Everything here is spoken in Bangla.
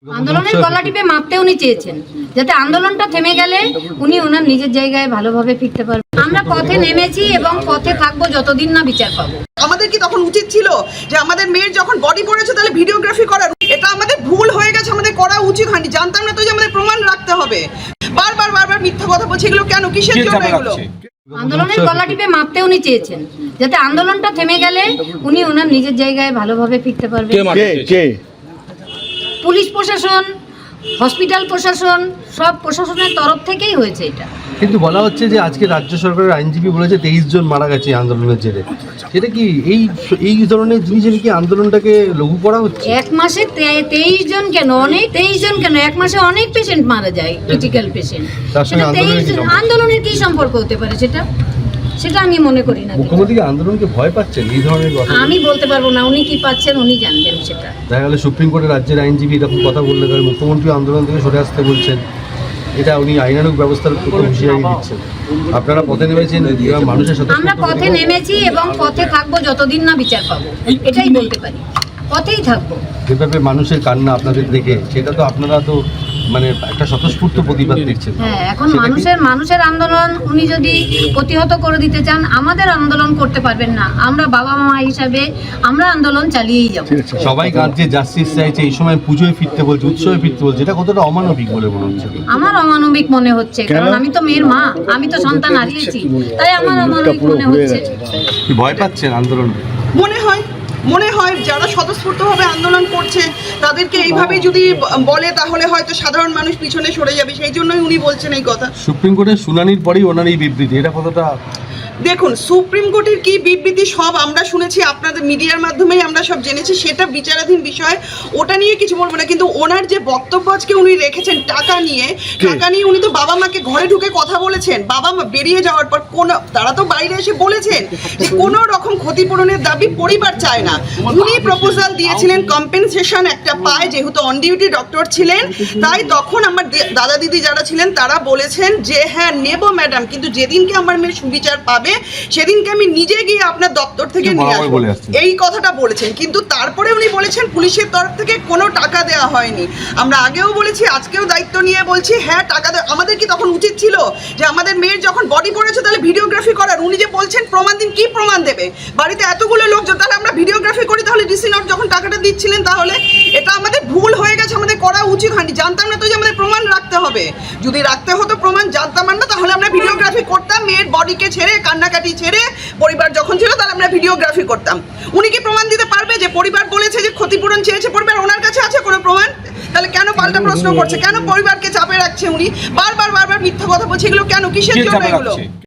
আন্দোলনের গলা টিপে মাপতে উনি চেয়েছেন, যাতে আন্দোলনটা থেমে গেলে উনি ওনার নিজের জায়গায় ভালোভাবে ফিরতে পারবেন। আমরা পথে নেমেছি এবং পথে থাকবো যতদিন না বিচার পাবো। আমাদের কি তখন উচিত ছিল যে আমাদের মেয়ের যখন বডি পড়েছে তাহলে ভিডিওগ্রাফি করার? এটা আমাদের ভুল হয়ে গেছে, আমাদের করা উচিত হয়নি। জানতাম না তো যে আমাদের প্রমাণ রাখতে হবে। বারবার মিথ্যা কথা বলছে, এগুলো কেন, কিসের জন্য এগুলো? আন্দোলনের গলা টিপে মাপতে উনি চেয়েছেন, যাতে আন্দোলনটা থেমে গেলে উনি ওনার নিজের জায়গায় ভালোভাবে ফিরতে পারবেন। পুলিশ প্রশাসন, হসপিটাল প্রশাসন, সব প্রশাসনের তরফ থেকেই হয়েছে এটা। কিন্তু বলা হচ্ছে যে আজকে রাজ্য সরকারের আইনজীবী বলেছে 23 জন মারা গেছে আন্দোলনের জেরে। সেটা কি এই ধরনের জিনিসের কি আন্দোলনটাকে লঘু করা হচ্ছে? এক মাসে 23 জন কেন, অনেক 23 জন কেন, এক মাসে অনেক পেশেন্ট মারা যায়, ক্রিটিক্যাল পেশেন্ট। আন্দোলনের কি সম্পর্ক হতে পারে সেটা আমি মনে করি না। মুখ্যমন্ত্রী আন্দোলনকে ভয় পাচ্ছেন এই ধরনের কথা? আমি বলতে পারবো না, উনি কি পাচ্ছেন উনি জানবেন সেটা। দেখা গেল সুপ্রিম কোর্টের রাজ্যের আইনজীবী এরকম কথা বললে তাহলে মুখ্যমন্ত্রী আন্দোলন থেকে সরে আসতে বলছেন। এটা উনি আইনানুগ ব্যবস্থার উপর হুঁশিয়ারি দিচ্ছেন। আপনারা পথে নেমেছেন, মানুষের সাথে আমরা পথে নেমেছি এবং পথে থাকবো যতদিন না বিচার পাবো, এটাই বলতে পারি। পথেই থাকবো। যেভাবে মানুষের কান্না আপনাদের দেখে, সেটা তো আপনারা তো মানে একটা স্বতঃস্ফূর্ত প্রতিবাদ দিচ্ছেন। হ্যাঁ, এখন মানুষের আন্দোলন উনি যদি প্রতিহত করে দিতে চান, আমাদের আন্দোলন করতে পারবেন না। আমরা বাবা মা হিসাবে আমরা আন্দোলন চালিয়েই যাব। সবাই কাঁদছে, জাস্টিস চাইছে, এই সময় পুজোয় ফিরতে বলছে, উৎসবে ফিরতে বলছে, এটা কতটা অমানবিক বলে মনে হচ্ছে? আমার অমানবিক মনে হচ্ছে, কারণ আমি তো মেয়ের মা, আমি তো সন্তান হারিয়েছি, তাই আমার অমানবিক মনে হচ্ছে। কি ভয় পাচ্ছেন আন্দোলন? মনে হয় যারা স্বতঃস্ফূর্তভাবে আন্দোলন করছে তাদেরকে এইভাবে যদি বলে তাহলে হয়তো সাধারণ মানুষ পিছনে সরে যাবে, সেই জন্যই উনি বলছেন এই কথা। সুপ্রিম কোর্টের শুনানির পরেই ওনার এই বিবৃতি, এটা কতটা? দেখুন, সুপ্রিম কোর্টের কি বিবৃতি সব আমরা শুনেছি, আপনাদের মিডিয়ার মাধ্যমেই আমরা সব জেনেছি, সেটা বিচারাধীন বিষয়, ওটা নিয়ে কিছু বলবো না। কিন্তু ওনার যে বক্তব্য আজকে উনি রেখেছেন টাকা নিয়ে উনি তো বাবা মাকে ঘরে ঢুকে কথা বলেছেন। বাবা মা বেরিয়ে যাওয়ার পর তারা তো বাইরে এসে বলেছেন যে কোনো রকম ক্ষতিপূরণের দাবি পরিবার চায় না। উনি প্রপোজাল দিয়েছিলেন কম্পেনসেশন একটা পায়, যেহেতু অন ডিউটি ডক্টর ছিলেন, তাই তখন আমার দাদা দিদি যারা ছিলেন তারা বলেছেন যে হ্যাঁ নেব ম্যাডাম, কিন্তু যেদিনকে আমার মেয়ে সুবিচার পাবে সেদিনকে আমি নিজে গিয়ে আপনার দপ্তর থেকে নিয়ে আসবো, এই কথাটা বলেছেন। কিন্তু তারপরে উনি বলেছেন পুলিশের তরফ থেকে কোনো টাকা দেওয়া হয়নি। আমরা আগেও বলেছি, আজকেও দায়িত্ব নিয়ে বলছি, হ্যাঁ টাকা দেওয়া। আমাদের কি তখন উচিত ছিল যে আমাদের মেয়ের যখন বডি পড়েছে তাহলে ভিডিওগ্রাফি করার? উনি যে বলছেন প্রমাণ দিন, কি প্রমাণ দেবে? বাড়িতে এতগুলো লোকজন, তাহলে আমরা ভিডিওগ্রাফি করি, তাহলে ডিসি নোট যখন টাকাটা দিচ্ছিলেন, তাহলে এটা আমাদের ভুল হয়ে গেছে, আমাদের করা উচিত হয়নি। জানতাম না তো যে আমাদের প্রমাণ রাখতে হবে। যদি রাখতে হতো প্রমাণ, জানতাম না, তাহলে আমরা ভিডিওগ্রাফি করতাম। মেয়ের বডিকে ছেড়ে, কান্নাকাটি ছেড়ে, পরিবার যখন ছিল তাহলে আমরা ভিডিওগ্রাফি করতাম। উনি কি প্রমাণ দিতে পারবে যে পরিবার বলেছে যে ক্ষতিপূরণ চেয়েছে পরিবার? ওনার কাছে আছে কোনো প্রমাণ? তাহলে কেন পাল্টা প্রশ্ন করছে? কেন পরিবারকে চাপে রাখছে উনি? বারবার মিথ্যা কথা বলছে, এগুলো কেন, কিসের জন্য এগুলো?